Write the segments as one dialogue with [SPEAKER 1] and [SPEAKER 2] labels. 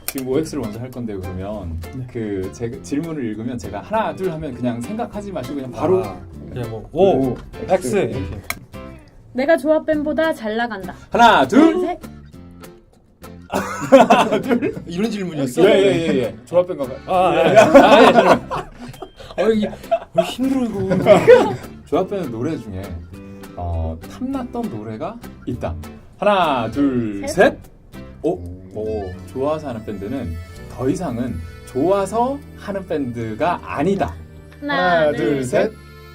[SPEAKER 1] 지금 OX를 먼저 할 건데 그러면
[SPEAKER 2] 네.
[SPEAKER 1] 그 제가 질문을 읽으면 제가 하나 둘 하면 그냥 생각하지 마시고 그냥 바로
[SPEAKER 3] 그냥 뭐 O, X 이렇게.
[SPEAKER 4] 내가 조합뱀보다 잘 나간다.
[SPEAKER 1] 하나 둘
[SPEAKER 4] 셋.
[SPEAKER 3] 이런 질문이었어?
[SPEAKER 1] 예예예 조합된 건가요?
[SPEAKER 3] 이게 힘들어 이거.
[SPEAKER 1] 조합되는 노래 중에 탐났던 노래가 있다. 하나 둘 셋. 오 좋아서 하는 밴드는 더 이상은 좋아서 하는 밴드가 아니다.
[SPEAKER 4] 하나, 둘, 셋.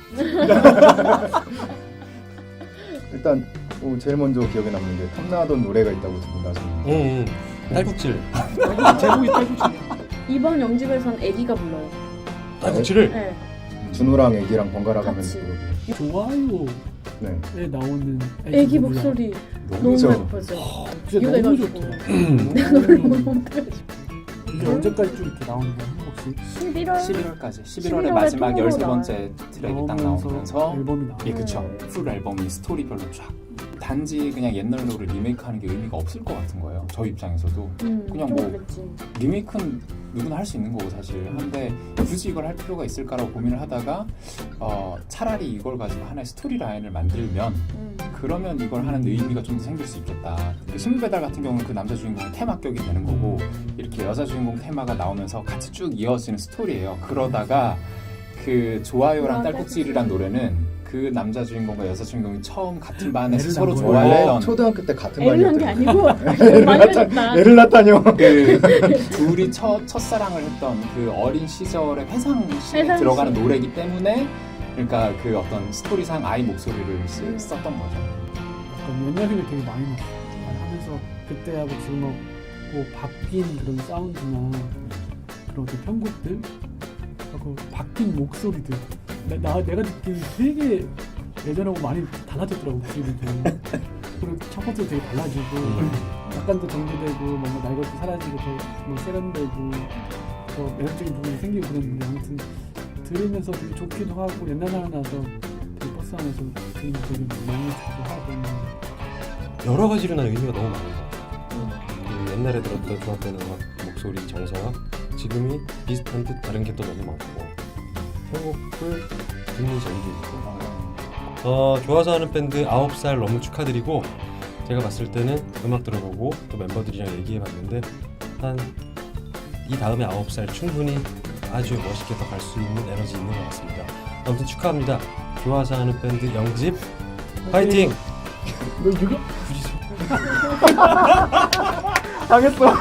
[SPEAKER 5] 일단 제일 먼저 기억에 남는 게 탐나던 노래가 있다고 두분 나중에.
[SPEAKER 3] 딸꾹질.
[SPEAKER 2] 제목이 딸꾹질이야.
[SPEAKER 4] 이번 영집에선 애기가 불러요.
[SPEAKER 3] 딸꾹질을?
[SPEAKER 4] 네.
[SPEAKER 5] 준호랑 애기랑 번갈아 가면서
[SPEAKER 4] 같이.
[SPEAKER 5] 부르고.
[SPEAKER 2] 좋아요에
[SPEAKER 5] 네.
[SPEAKER 2] 나오는
[SPEAKER 4] 애기 목소리 너무
[SPEAKER 1] 너무 좋아.
[SPEAKER 4] 예뻐져.
[SPEAKER 2] 진짜 너무
[SPEAKER 4] 이거해가지고.
[SPEAKER 2] 좋더라.
[SPEAKER 4] 내가 노래 못해가지고.
[SPEAKER 2] 이게 언제까지 쭉 이렇게 나오는 거야 혹시?
[SPEAKER 4] 11월
[SPEAKER 1] 11월까지 11월의
[SPEAKER 4] 11월에
[SPEAKER 1] 마지막
[SPEAKER 4] 통으로
[SPEAKER 1] 13번째 트랙이 딱 나오면서
[SPEAKER 2] 앨범이 나와.
[SPEAKER 1] 예 그쵸 풀 앨범이 스토리별로 쫙 단지 그냥 옛날 노래 리메이크하는 게 의미가 없을 것 같은 거예요. 저희 입장에서도 그냥
[SPEAKER 4] 좀
[SPEAKER 1] 뭐
[SPEAKER 4] 그랬지.
[SPEAKER 1] 리메이크는 누구나 할 수 있는 거고 사실 한데 굳이 이걸 할 필요가 있을까라고 고민을 하다가 차라리 이걸 가지고 하나의 스토리 라인을 만들면 그러면 이걸 하는 의미가 좀 더 생길 수 있겠다. 그 신문배달 같은 경우는 그 남자 주인공의 테마격이 되는 거고 이렇게 여자 주인공 테마가 나오면서 같이 쭉 이어지는 스토리예요. 그러다가 그 좋아요랑 딸꾹질이란 노래는 그 남자 주인공과 여자 주인공이 처음 같은 반에서
[SPEAKER 2] 애를
[SPEAKER 1] 서로
[SPEAKER 2] 낳은
[SPEAKER 1] 좋아했던
[SPEAKER 5] 초등학교 때 같은
[SPEAKER 4] 애를 낳은 게
[SPEAKER 5] 반이었대요.
[SPEAKER 4] 아니고 만들었다.
[SPEAKER 5] 애를 낳다뇨.
[SPEAKER 1] 그 둘이 첫사랑을 했던 그 어린 시절의 회상시에
[SPEAKER 4] 회상시.
[SPEAKER 1] 들어가는 노래이기 때문에 그러니까 그 어떤 스토리상 아이 목소리를 썼던 거죠.
[SPEAKER 2] 약간 옛날 생각 되게 많이 났어. 하면서 그때하고 지금하고 바뀐 그런 사운드나 그런 어떤 편곡들 하고 바뀐 목소리들 내가 느끼는 되게 예전하고 많이 달라졌더라고 목소리도. 그리고 첫 번째 되게 달라지고 약간 더 정제되고 뭔가 날 것도 사라지고 더 세련되고 더 매력적인 부분이 생기고 그랬는데 아무튼 들으면서 되게 좋기도 하고 옛날 생각나서 되게 버스 안에서 들으면 되게 너무 좋기도 하고
[SPEAKER 3] 여러 가지로 난 의미가 너무 많은 것 같아. 그 옛날에 들었던 조합되는 음악 목소리 정서와 지금이 비슷한 듯 다른 게 또 너무 많고 편곡을 듣는 재미도 있고. 좋아서 하는 밴드 9살 너무 축하드리고 제가 봤을 때는 음악 들어보고 또 멤버들이랑 얘기해봤는데 한 이 다음에 9살 충분히 아주 멋있게 더 갈 수 있는 에너지 있는 것 같습니다. 아무튼 축하합니다. 좋아서 하는 밴드 영집 파이팅!
[SPEAKER 2] 너 이거 굳이
[SPEAKER 5] 당했어.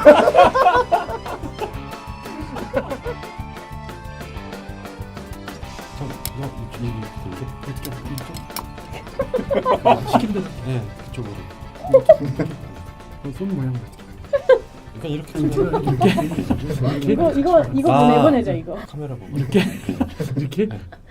[SPEAKER 2] 시킨다.
[SPEAKER 3] 네, 그쪽으로.
[SPEAKER 2] 손 모양.
[SPEAKER 3] 그러니까 이렇게
[SPEAKER 4] 이거
[SPEAKER 2] 아.
[SPEAKER 4] 내보내자 이거.
[SPEAKER 3] 카메라 보고
[SPEAKER 2] 이렇게.
[SPEAKER 3] 네.